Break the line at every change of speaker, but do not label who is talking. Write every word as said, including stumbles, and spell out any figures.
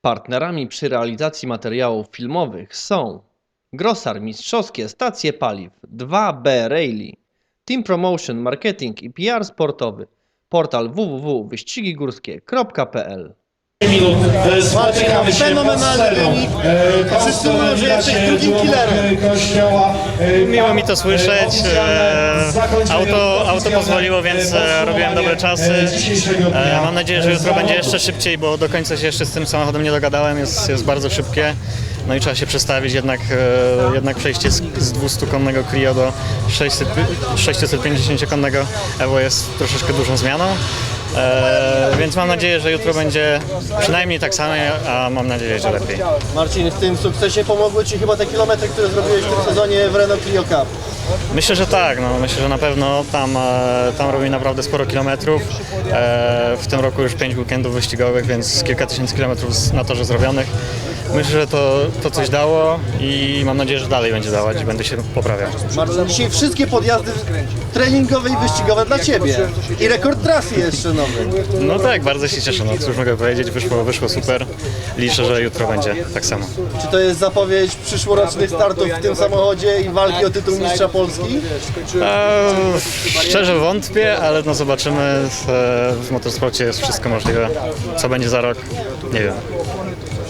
Partnerami przy realizacji materiałów filmowych są Grosar Mistrzowskie Stacje Paliw, dwa B Rally, Team Promotion Marketing i P R Sportowy, portal w w w kropka wyścigi górskie kropka p l.
minut spotykamy się
Fenomenalny wynik. Wszyscy mówią, że jesteś drugim killerem.
Miło mi to słyszeć. E, Auto, auto pozwoliło, więc e, robiłem dobre czasy. E, Mam nadzieję, że jutro będzie jeszcze szybciej, bo do końca się jeszcze z tym samochodem nie dogadałem. Jest, jest bardzo szybkie. No i trzeba się przestawić, jednak, e, jednak przejście z, z dwustukonnego Clio do sześćset pięćdziesięciokonnego Evo jest troszeczkę dużą zmianą. E, więc mam nadzieję, że jutro będzie przynajmniej tak samo, a mam nadzieję, że lepiej.
Marcin, w tym sukcesie pomogły Ci chyba te kilometry, które zrobiłeś w tym sezonie w Renault Clio Cup.
Myślę, że tak, no, myślę, że na pewno tam, e, tam robi naprawdę sporo kilometrów. E, w tym roku już pięć weekendów wyścigowych, więc kilka tysięcy kilometrów na torze zrobionych. Myślę, że to, to coś dało i mam nadzieję, że dalej będzie dawać i będę się poprawiał.
Marcin, dzisiaj wszystkie podjazdy treningowe i wyścigowe dla Ciebie. I rekord trasy jeszcze nowy.
No tak, bardzo się cieszę, no cóż mogę powiedzieć, wyszło, wyszło super. Liczę, że jutro będzie tak samo.
Czy to jest zapowiedź przyszłorocznych startów w tym samochodzie i walki o tytuł mistrza Polski?
E, szczerze wątpię, ale no zobaczymy. W, w motorsporcie jest wszystko możliwe. Co będzie za rok? Nie wiem.